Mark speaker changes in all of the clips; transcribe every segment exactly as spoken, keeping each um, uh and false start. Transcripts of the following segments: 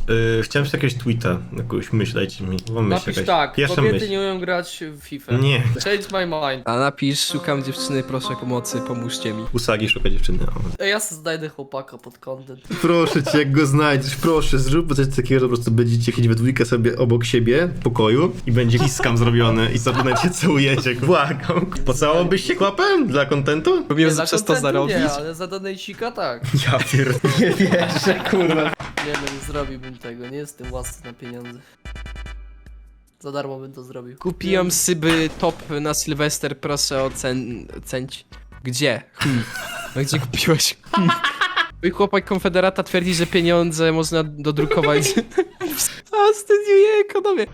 Speaker 1: Yy, chciałem sobie jakiegoś tweeta, jakąś myśl, dajcie mi. Mam myśl
Speaker 2: Napisz
Speaker 1: jakaś.
Speaker 2: tak,
Speaker 1: Pierwsza
Speaker 2: kobiety
Speaker 1: myśl.
Speaker 2: nie umieją grać w FIFA.
Speaker 1: Nie.
Speaker 2: Change my mind.
Speaker 3: A napisz, szukam dziewczyny, proszę pomocy, pomóżcie mi.
Speaker 1: Usagi szuka dziewczyny. O.
Speaker 2: Ej, ja sobie znajdę chłopaka pod content.
Speaker 1: Proszę cię, jak go znajdziesz, proszę, zrób coś takiego, że po prostu będziecie chodzić we dwójkę sobie obok siebie w pokoju i będzie kiskam zrobiony i sobie cię całujecie, błagam. Pocałowałbyś się kłapem dla kontentu?
Speaker 3: Próbuję
Speaker 2: Dla
Speaker 3: przez to
Speaker 2: contentu
Speaker 3: zarobić?
Speaker 2: Nie, ale za donejcika tak.
Speaker 1: Ja pier... nie wierzę, kurwa.
Speaker 2: Nie wiem, nie zrobiłbym tego, nie jestem łasny na pieniądze. Za darmo bym to zrobił.
Speaker 3: Kupiłem syby top na Sylwester, proszę ocen... ocenić. Gdzie? Hmm. No gdzie kupiłeś? Hmm. Mój chłopak konfederata twierdzi, że pieniądze można dodrukować. A studiuje ekonomię.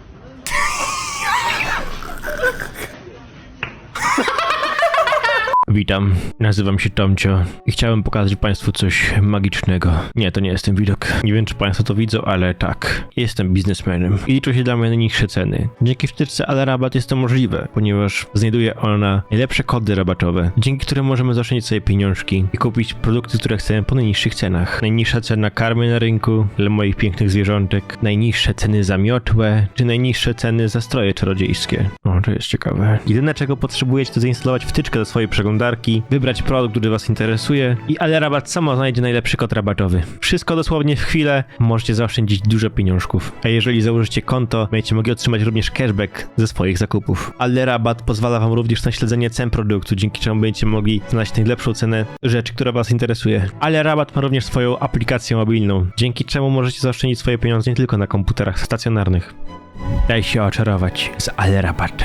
Speaker 4: Witam, nazywam się Tomcio i chciałem pokazać Państwu coś magicznego. Nie, to nie jest ten widok. Nie wiem, czy Państwo to widzą, ale tak. Jestem biznesmenem i liczą się dla mnie najniższe ceny. Dzięki wtyczce Ale Rabat jest to możliwe, ponieważ znajduje ona najlepsze kody rabatowe, dzięki którym możemy zaoszczędzić sobie pieniążki i kupić produkty, które chcemy po najniższych cenach. Najniższa cena karmy na rynku dla moich pięknych zwierzątek, najniższe ceny za miotłę, czy najniższe ceny za stroje czarodziejskie. O, to jest ciekawe. Jedyne, czego potrzebujecie, to zainstalować wtyczkę do swojej przeglądarki, wybrać produkt, który Was interesuje i Ale Rabat samo znajdzie najlepszy kod rabatowy. Wszystko dosłownie w chwilę, możecie zaoszczędzić dużo pieniążków. A jeżeli założycie konto, będziecie mogli otrzymać również cashback ze swoich zakupów. Ale Rabat pozwala Wam również na śledzenie cen produktu, dzięki czemu będziecie mogli znaleźć najlepszą cenę rzeczy, która Was interesuje. Ale Rabat ma również swoją aplikację mobilną, dzięki czemu możecie zaoszczędzić swoje pieniądze nie tylko na komputerach stacjonarnych. Daj się oczarować z Ale Rabat.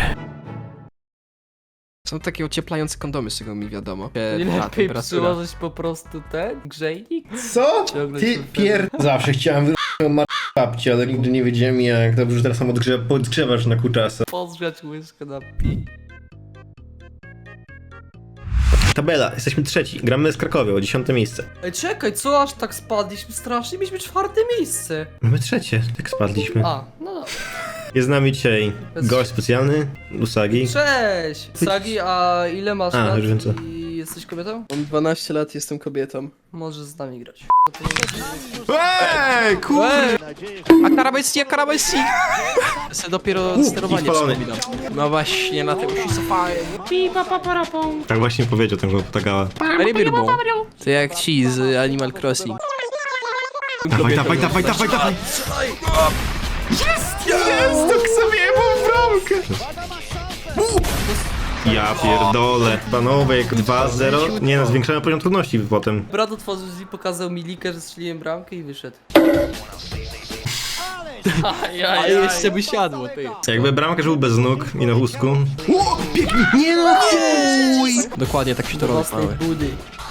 Speaker 3: Są takie ocieplające kondomy, z czego mi wiadomo.
Speaker 2: Nie
Speaker 3: Ta
Speaker 2: lepiej
Speaker 3: temperatura.
Speaker 2: przyłożyć po prostu ten grzejnik?
Speaker 1: Co?
Speaker 2: Ciągle
Speaker 1: Ty
Speaker 2: się
Speaker 1: pier... Zawsze chciałem wyrwać babci, ale nigdy nie wiedziałem jak. Dobrze, że teraz sam odgrzewa, podgrzewasz na kuczasa.
Speaker 2: Pozgrzać łyżkę na pi.
Speaker 1: Tabela, jesteśmy trzeci, gramy z Krakowie o dziesiąte miejsce.
Speaker 2: Ej, czekaj, co aż tak spadliśmy strasznie? Mieliśmy czwarte miejsce.
Speaker 1: Mamy trzecie, tak spadliśmy.
Speaker 2: A, no dobra.
Speaker 1: Jest z nami dzisiaj gość specjalny, Usagi.
Speaker 2: Cześć! Sagi, a ile masz
Speaker 1: A,
Speaker 2: lat
Speaker 1: już wiem co.
Speaker 2: i jesteś kobietą?
Speaker 3: Mam dwanaście lat, jestem kobietą.
Speaker 2: Możesz z nami grać.
Speaker 1: Ej, kurde!
Speaker 3: A karabesji, a karabesji! Ja sobie dopiero
Speaker 1: U,
Speaker 3: sterowanie
Speaker 1: i spalony.
Speaker 3: przypominam. No właśnie, na tym się cofałem.
Speaker 1: Tak właśnie powiedział ten ptakała.
Speaker 3: Rybirbą. To jak ci z Animal Crossing.
Speaker 1: Dawaj, dawaj, dawaj, dawaj, dawaj! Jest! Jest! Tak sobie mam bramkę! Ja pierdolę. Panowie, dwa zero. Nie no, zwiększamy poziom trudności potem.
Speaker 2: Brat otworzył drzwi, pokazał mi likę, że strzeliłem bramkę i wyszedł. Ajajaj.
Speaker 3: Ale jeszcze by siadło, ty.
Speaker 1: Jakby bramkarz był bez nóg i na wózku. O, pięknie! Nie no, chuj!
Speaker 3: Dokładnie tak się to robi,
Speaker 2: Własnej
Speaker 3: panowie.
Speaker 2: budy.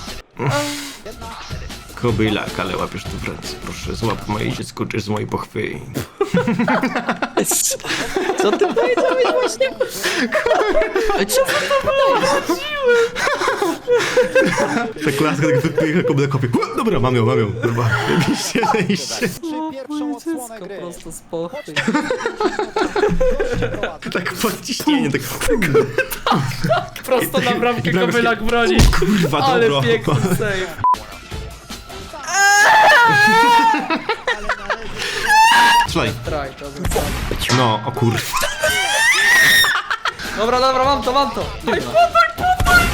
Speaker 1: Kobylak, ale łapiesz tu w ręce. Proszę, złap moje dziecko, czy z mojej pochwy.
Speaker 3: Co ty powiedziałeś właśnie? Ale co ty to
Speaker 1: Ta klaska tak wypycha, kobylak kopie. O, dobra, mam ją, mam ją. Dobra, wyjście, zejście.
Speaker 2: Moje dziecko prosto z pochwy.
Speaker 1: Tak podciśnienie, tak.
Speaker 2: Prosto na bramkę
Speaker 1: I bramka
Speaker 2: Kobylak broni.
Speaker 1: Kurwa,
Speaker 2: Ale
Speaker 1: dobro.
Speaker 2: piękny save.
Speaker 1: Strzelaj.
Speaker 2: Traj, to był.
Speaker 1: No, o kur...
Speaker 2: Dobra, dobra, mam to, mam to. Ej, podaj, podaj!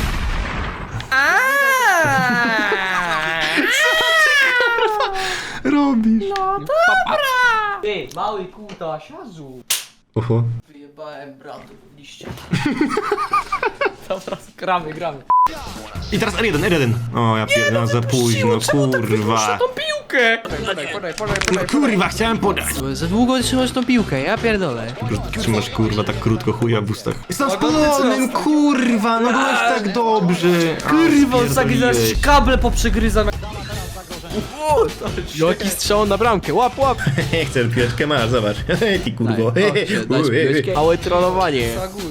Speaker 1: Robisz.
Speaker 2: No dobra! Ty, mały kuta, siazu.
Speaker 1: Oho.
Speaker 2: Wyjebałem bratu w liście. Dobra, gramy, gramy.
Speaker 1: I teraz R jeden, R jeden. O, ja pierdolę, za późno, kurwa.
Speaker 2: tą piłkę! Podaj, podaj, podaj,
Speaker 1: No kurwa, chciałem podać.
Speaker 3: Za długo trzymasz tą piłkę, ja pierdolę.
Speaker 1: Trzymasz kurwa tak krótko chuja w ustach. Jestem spalonym, kurwa, no byłeś tak dobrze.
Speaker 2: Kurwa,
Speaker 1: A,
Speaker 2: taki zaraz
Speaker 1: spierdoliłeś.
Speaker 2: kable poprzegryzam.
Speaker 3: Jaki strzał na bramkę, łap, łap!
Speaker 1: Chcę piłeczkę, masz, zobacz. Ty kurwo.
Speaker 3: Dać piłeczkę. Małe trollowanie.
Speaker 2: Zaguś.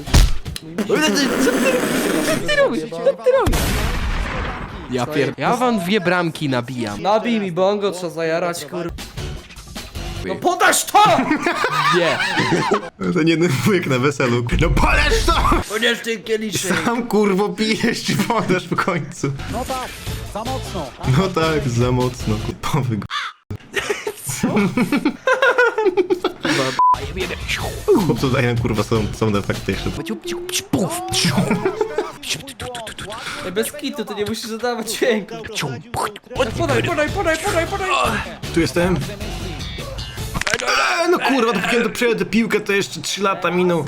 Speaker 3: Co ty robisz? Co ty robisz? Ja pier... Ja wam dwie bramki nabijam.
Speaker 2: Nabij mi bongo, trzeba zajarać, kurwa. No podasz to!
Speaker 3: Nie.
Speaker 1: To nie jeden wujek na weselu. No polesz to!
Speaker 2: Ponieważ ten kieliszek.
Speaker 1: Sam kurwo pijesz czy podasz w końcu.
Speaker 5: No tak, za mocno.
Speaker 1: No tak, za mocno, kupowy g...
Speaker 3: Co
Speaker 1: Chłopcu dają kurwa są, są efekty jeszcze.
Speaker 2: Ej, bez kitu, to nie musisz zadawać dźwięku. Podaj, podaj, podaj, podaj, podaj.
Speaker 1: Tu jestem. Eee, no kurwa, dopóki ja przejąłem tę piłkę, to jeszcze trzy lata minął.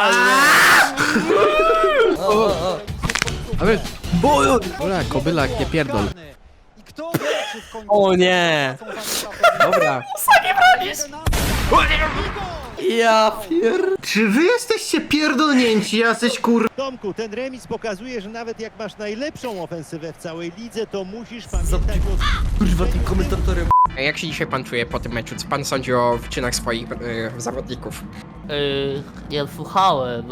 Speaker 3: A wiesz, Dobra, kobylak, nie pierdol. O nie! Dobra.
Speaker 2: Ja pier...
Speaker 1: Czy wy jesteście pierdolnięci, jacyś kur...
Speaker 5: Tomku, ten remis pokazuje, że nawet jak masz najlepszą ofensywę w całej lidze, to musisz pamiętać o...
Speaker 2: Kurwa, tym komentatorem.
Speaker 3: A jak się dzisiaj pan czuje po tym meczu? Co pan sądzi o wyczynach swoich e, zawodników?
Speaker 2: Yy, nie słuchałem.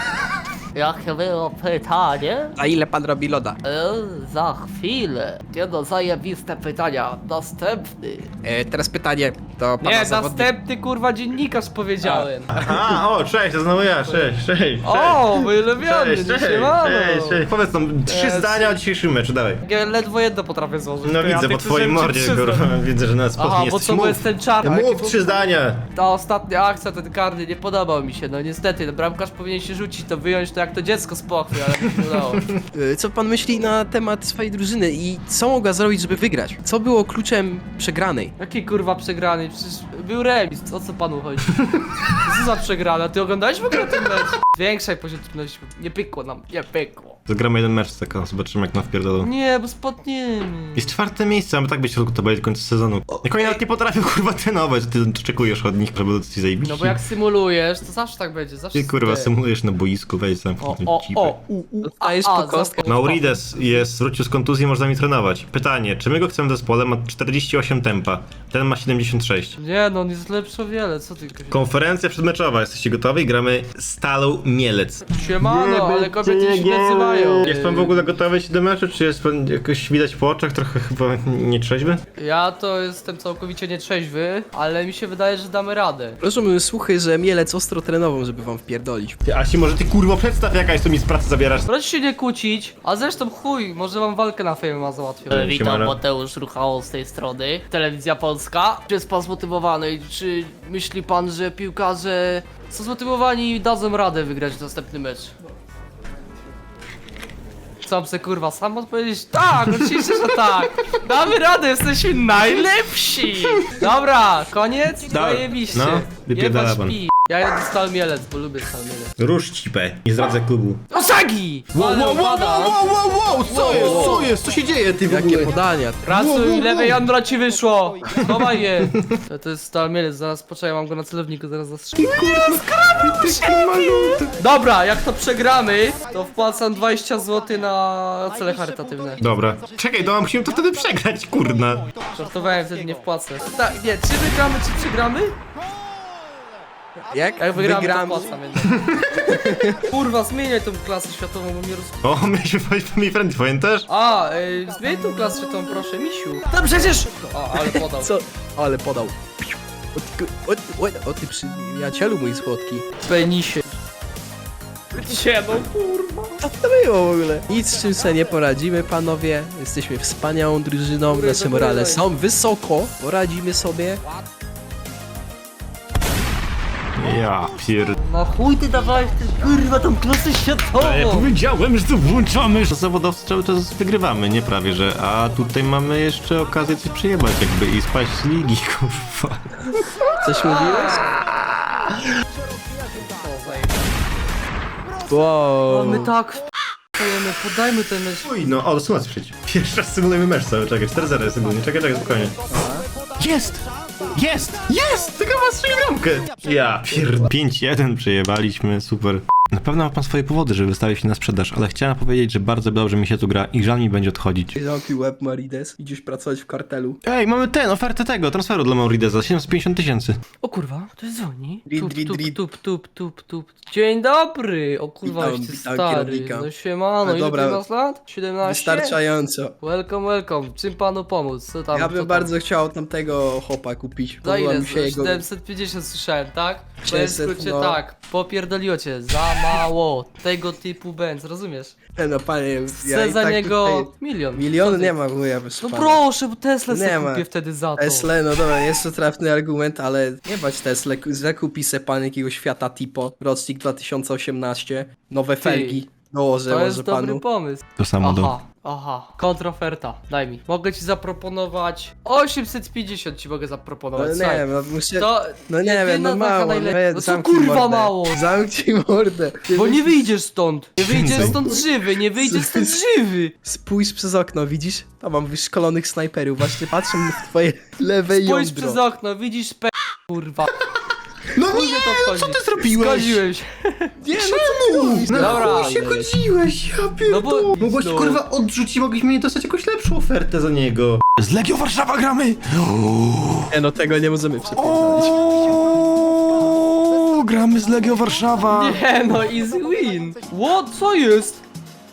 Speaker 2: Jakie było pytanie?
Speaker 3: A ile pan robi loda?
Speaker 2: Yy, za chwilę. Nie no, zajebiste pytania. Następny.
Speaker 3: E, teraz pytanie do pana
Speaker 2: Nie,
Speaker 3: zawodnika.
Speaker 2: następny kurwa dziennikarz powiedziałem.
Speaker 1: Aha, o, cześć, to znowu ja, cześć, cześć, cześć.
Speaker 2: O, mój ulubiony,
Speaker 1: Cześć,
Speaker 2: nie
Speaker 1: cześć,
Speaker 2: siemano.
Speaker 1: cześć, cześć. Powiedz nam trzy
Speaker 2: Cześć.
Speaker 1: zdania o dzisiejszym meczu, dawaj.
Speaker 2: Ja ledwo jedno potrafię złożyć.
Speaker 1: No
Speaker 2: to ja
Speaker 1: widzę, po
Speaker 2: tych
Speaker 1: twojej
Speaker 2: słyszałem
Speaker 1: mordzie,
Speaker 2: trzy
Speaker 1: kurwa,
Speaker 2: zdania.
Speaker 1: widzę, że nas
Speaker 2: Aha,
Speaker 1: spokojnie
Speaker 2: bo
Speaker 1: jesteś.
Speaker 2: co, bo
Speaker 1: Mów,
Speaker 2: jestem czarny.
Speaker 1: mów trzy zdania.
Speaker 2: Ta ostatnia akcja, ten karny, nie podobał mi się, no niestety, no bramkarz powinien się rzucić, to wyjąć to jak to dziecko z pochwy, ale mi się udało.
Speaker 3: E, Co pan myśli na temat swojej drużyny i co mogła zrobić, żeby wygrać? Co było kluczem przegranej?
Speaker 2: Jaki kurwa przegrany, przecież był remis, o co panu chodzi? Co za przegrana, ty oglądałeś w ogóle ten mecz? Większej pożyteczności, nie pykło nam, nie pykło.
Speaker 1: Zagramy jeden mecz tylko, zobaczymy jak nam wpierdolą.
Speaker 2: Nie, bo spadniemy.
Speaker 1: Jest czwarte miejsce, mamy tak być w środku tabeli do końca sezonu. Jak oni nawet nie potrafią kurwa trenować, ty oczekujesz od nich, żeby ci zajebić.
Speaker 2: No bo jak symulujesz, to zawsze tak będzie, zawsze
Speaker 1: Ty kurwa
Speaker 2: ty.
Speaker 1: symulujesz na boisku, wejdź sam
Speaker 2: O,
Speaker 1: w tym
Speaker 2: o,
Speaker 1: cipę.
Speaker 2: o, u, u, a,
Speaker 3: Dostajesz
Speaker 2: a,
Speaker 3: po kostkę.
Speaker 2: za-
Speaker 1: Maurides jest, wrócił z kontuzji, można mi trenować. Pytanie, czy my go chcemy w zespole? Ma czterdzieści osiem tempa, ten ma siedemdziesiąt sześć.
Speaker 2: Nie no, on jest lepszy o wiele, co ty Kasia?
Speaker 1: Konferencja przedmeczowa, jesteście gotowi? Gramy Stalą Mielec.
Speaker 2: Siemano, ale kobiety się nie nazywają.
Speaker 1: Jest pan w ogóle gotowy się do meczu, czy jest pan jakoś widać po oczach, trochę chyba nietrzeźwy?
Speaker 2: Ja to jestem całkowicie nietrzeźwy, ale mi się wydaje, że damy radę.
Speaker 3: Proszę słuchy, że Mielec ostro trenował, żeby wam wpierdolić.
Speaker 1: Ty, Asi, może ty kurwo przedstaw jakaś, to mi z pracy zabierasz.
Speaker 2: Proszę się nie kłócić, a zresztą chuj, może wam walkę na F M A załatwię.
Speaker 1: Siemano.
Speaker 2: Witam, Mateusz Ruchało z tej strony, Telewizja Polska. Czy jest pan zmotywowany? Czy myśli pan, że piłkarze są zmotywowani i dadzą radę wygrać następny mecz? Sam se kurwa sam odpowiedzieć tak, oczywiście, że tak. Damy radę, jesteśmy najlepsi. Dobra, koniec?
Speaker 1: Dobra,
Speaker 2: Zajebiście.
Speaker 1: no, wypierdala
Speaker 2: Jebać
Speaker 1: pan.
Speaker 2: pi. Ja jadę Stal Mielec, bo lubię Stal Mielec.
Speaker 1: Rusz cipę, nie zdradzę klubu.
Speaker 2: Osagi! Ale upada.
Speaker 1: wow, wow, co jest, co jest, co się dzieje ty w
Speaker 3: Jakie
Speaker 1: ogóle?
Speaker 3: podania?
Speaker 2: Pracuj, lewe jądro ci wyszło! Chowaj je! To, to jest Stal Mielec, zaraz poczekaj, mam go na celowniku, zaraz zastrzelę. Dobra, jak to przegramy, to wpłacam dwadzieścia złotych na cele charytatywne.
Speaker 1: Dobra, czekaj, no musimy to wtedy przegrać, kurna.
Speaker 2: Żartowałem, wtedy nie wpłacę. Tak, nie, czy wygramy, czy przegramy?
Speaker 3: Jak?
Speaker 2: Jak wygramy,
Speaker 3: Wygram.
Speaker 2: to wpłacam jednak. Kurwa, zmieniaj tą klasę światową, bo mnie roz...
Speaker 1: O, mieliśmy powiedzieć mi friendly, pamiętasz?
Speaker 2: A, ej, zmień tą klasę światową, proszę, misiu. No przecież! O, ale podał.
Speaker 3: Co? Ale podał. O ty, o, ty- o, o ty przyjacielu mój słodki.
Speaker 2: Penisie. Gdzie no kurwa?
Speaker 3: Co to było w ogóle? Nic z czym sobie nie poradzimy, panowie. Jesteśmy wspaniałą drużyną,
Speaker 2: Góry,
Speaker 3: nasze
Speaker 2: do góry,
Speaker 3: morale
Speaker 2: daj.
Speaker 3: są wysoko. Poradzimy sobie.
Speaker 1: Ja pier...
Speaker 2: No chuj ty dawałeś ty kurwa tą klasę światową!
Speaker 1: Ja powiedziałem, że to włączamy. Zawodowcy cały czas wygrywamy, nie prawie, że. A tutaj mamy jeszcze okazję coś przejebać jakby i spaść z ligi, kurwa.
Speaker 3: Coś mówiłeś?
Speaker 2: No
Speaker 3: Wow.
Speaker 2: my tak wpajemy, podajmy ten mecz.
Speaker 1: Uj, no, o, symulacja przeciw. Pierwszy raz symulujemy mecz cały, czekaj, cztery zero jest ogólnie, czekaj, czekaj, spokojnie. Jest! Jest! Jest! Tylko ma strzelił bramkę! Ja pierd... pięć jeden przejebaliśmy, super. Na pewno ma pan swoje powody, żeby wystawić się na sprzedaż, ale chciałem powiedzieć, że bardzo dobrze mi się tu gra i żal mi będzie odchodzić.
Speaker 3: Zamknij łeb, Marides. Idziesz pracować w kartelu.
Speaker 1: Ej, mamy ten, ofertę tego, transferu dla Maurideza, siedemset pięćdziesiąt tysięcy.
Speaker 2: O kurwa, to jest dzwoni.
Speaker 3: Drit,
Speaker 2: Tup,
Speaker 3: drit,
Speaker 2: tup,
Speaker 3: drit.
Speaker 2: tup, tup, tup, tup. Dzień dobry! O kurwa,
Speaker 3: Witam,
Speaker 2: już ty
Speaker 3: witam
Speaker 2: stary.
Speaker 3: kierownika.
Speaker 2: No siemano,
Speaker 3: No
Speaker 2: ile
Speaker 3: dobra.
Speaker 2: ty masz lat? siedemnaście?
Speaker 3: Wystarczająco.
Speaker 2: Welcome, welcome. Czym panu pomóc? Co tam?
Speaker 3: Ja
Speaker 2: co
Speaker 3: bym
Speaker 2: tam?
Speaker 3: bardzo chciał tamtego hopa kupić.
Speaker 2: Za
Speaker 3: Podoba
Speaker 2: ile?
Speaker 3: mi się jego...
Speaker 2: siedemset pięćdziesiąt słyszałem, tak? W
Speaker 3: sześćset,
Speaker 2: skrócie
Speaker 3: no.
Speaker 2: tak, popierdoliło cię za mało tego typu Benz, rozumiesz?
Speaker 3: No panie,
Speaker 2: Chcę
Speaker 3: i
Speaker 2: za
Speaker 3: tak
Speaker 2: niego
Speaker 3: tutaj-
Speaker 2: milion.
Speaker 3: Milion
Speaker 2: Co ty?
Speaker 3: nie ma wuja, proszę
Speaker 2: No
Speaker 3: pana.
Speaker 2: proszę, bo Tesla
Speaker 3: Nie
Speaker 2: sobie
Speaker 3: ma.
Speaker 2: kupię wtedy za to.
Speaker 3: Tesla, no dobra, jest to trafny argument, ale nie bać Tesla, zakupi se pan jakiegoś Fiata Tipo, rocznik dwa tysiące osiemnaście, nowe felgi, dołożę
Speaker 2: To
Speaker 3: może
Speaker 2: jest dobry
Speaker 3: panu.
Speaker 2: pomysł.
Speaker 1: To samo do...
Speaker 2: Aha, aha. Kontroferta, daj mi. Mogę ci zaproponować... osiemset pięćdziesiąt ci mogę
Speaker 3: No
Speaker 2: zaproponować,
Speaker 3: nie
Speaker 2: słuchaj.
Speaker 3: wiem, no muszę...
Speaker 2: To
Speaker 3: No nie wiem,
Speaker 2: jedyna
Speaker 3: no
Speaker 2: taka
Speaker 3: mało,
Speaker 2: najle-
Speaker 3: no,
Speaker 2: no co
Speaker 3: zamknij
Speaker 2: kurwa
Speaker 3: mordę.
Speaker 2: mało?
Speaker 3: Zamknij mordę.
Speaker 2: Bo nie wyjdziesz stąd. Nie wyjdziesz
Speaker 1: Więcej.
Speaker 2: stąd żywy, nie wyjdziesz stąd żywy.
Speaker 3: Spójrz przez okno, widzisz? Tam mam wyszkolonych snajperów, właśnie patrzą w twoje lewe
Speaker 2: Spójrz
Speaker 3: jądro.
Speaker 2: przez okno, widzisz p... kurwa.
Speaker 1: No
Speaker 2: Chuj
Speaker 1: nie,
Speaker 2: mnie to
Speaker 1: no
Speaker 2: wchodzi.
Speaker 1: co ty zrobiłeś?
Speaker 2: Zgodziłem się.
Speaker 3: Nie, no co ty
Speaker 2: Dobra.
Speaker 1: chuj się godziłeś, ja pierdolę.
Speaker 2: No bo-
Speaker 1: Mogłeś
Speaker 2: no.
Speaker 1: kurwa odrzucić, mogliśmy dostać jakąś lepszą ofertę za niego. Z Legio Warszawa gramy!
Speaker 3: Nie, no tego nie możemy przepierdolić.
Speaker 1: O, gramy z Legio Warszawa!
Speaker 2: Nie no, easy win. What? Co jest?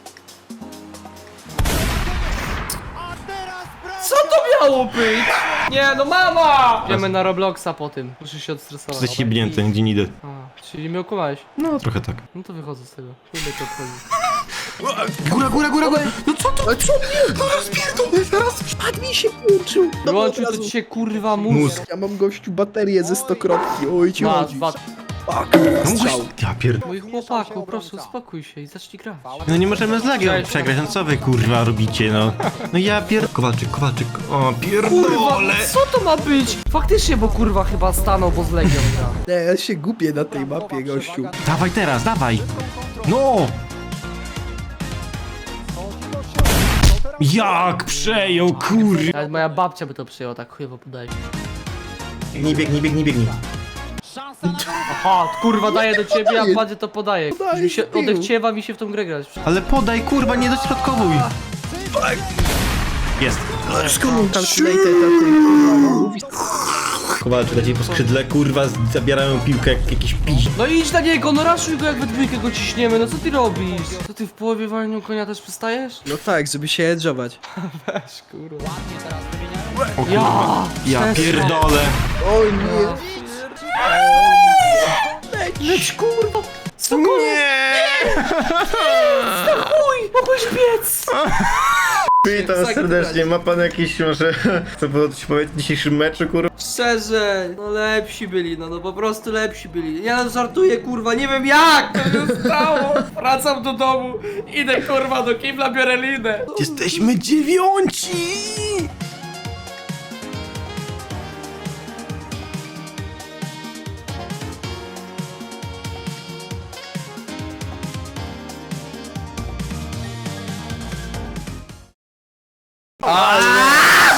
Speaker 2: Co to miało być? Nie no, mama! Idziemy na Robloxa po tym. Muszę się odstresować.
Speaker 1: Jesteś jebnięty, gdzie nie idę.
Speaker 2: A, czyli mnie okłamałeś.
Speaker 1: No, trochę tak.
Speaker 2: No to wychodzę z tego. Chuj mnie to obchodzi.
Speaker 1: Góra, góra, góra, góra! No co to?
Speaker 3: Ale co? No rozpierdolę, zaraz padł mi się włączył. No
Speaker 2: Wyłączył
Speaker 3: od
Speaker 2: to
Speaker 3: razu.
Speaker 2: ci się kurwa mózg.
Speaker 1: Mózg.
Speaker 3: Ja mam gościu baterię ze stokrotki, oj ci
Speaker 2: Masz,
Speaker 3: chodzi.
Speaker 2: dwa.
Speaker 3: A, kurwa,
Speaker 1: No mogłeś...
Speaker 3: strzał.
Speaker 1: Ja pierd...
Speaker 2: Mój chłopaku, proszę uspokój się i zacznij grać.
Speaker 1: No nie możemy z Legio
Speaker 2: Cześć.
Speaker 1: przegrać, no co wy kurwa robicie, no? No ja pierd... Kowalczyk, Kowalczyk, o
Speaker 2: Kurwa,
Speaker 1: pierdolę!
Speaker 2: co to ma być? Faktycznie, bo kurwa chyba stanął, bo z Legią gra.
Speaker 3: Nie, ja się gubię na tej mapie, gościu.
Speaker 1: Dawaj teraz, dawaj! No! Jak przejął, kur...
Speaker 2: Nawet moja babcia by to przyjęła, tak chujowo podaje.
Speaker 1: Nie biegnij, biegnij, biegnij.
Speaker 2: Aha, kurwa daję do ciebie, a
Speaker 3: Podaję.
Speaker 2: padzie to podaje.
Speaker 3: Podaję
Speaker 2: Mi się
Speaker 3: z tyłu.
Speaker 2: odechciewa mi się w tą grę grać.
Speaker 1: Ale podaj, kurwa, nie dośrodkowuj! Jest.
Speaker 3: Skąd calculated na tej kurwa mówi?
Speaker 1: Kowalczyk leci po skrzydle, kurwa, zabierają piłkę jak jakiś piś.
Speaker 2: No idź na niego, no raszuj go jak we dwójkę go ciśniemy, no co ty robisz? Co ty w połowie walnią konia też przystajesz?
Speaker 3: No tak, żeby się edżować.
Speaker 2: Weź kurwa.
Speaker 1: O
Speaker 2: Ja!
Speaker 1: kurwa, ja
Speaker 2: przestań.
Speaker 1: pierdolę.
Speaker 3: Oj nie.
Speaker 2: Leć kurwa! Spokojnie!
Speaker 1: Nie!
Speaker 2: Chuj! Mogłeś biec!
Speaker 1: Witam serdecznie, ma pan jakieś może, co było coś powiedzieć w dzisiejszym meczu, kurwa?
Speaker 2: Szczerze, no lepsi byli, no, no po prostu lepsi byli. Ja no żartuję, kurwa, nie wiem jak to się stało. Wracam do domu, idę kurwa do kibla, biorę linę.
Speaker 1: Jesteśmy dziewiąci!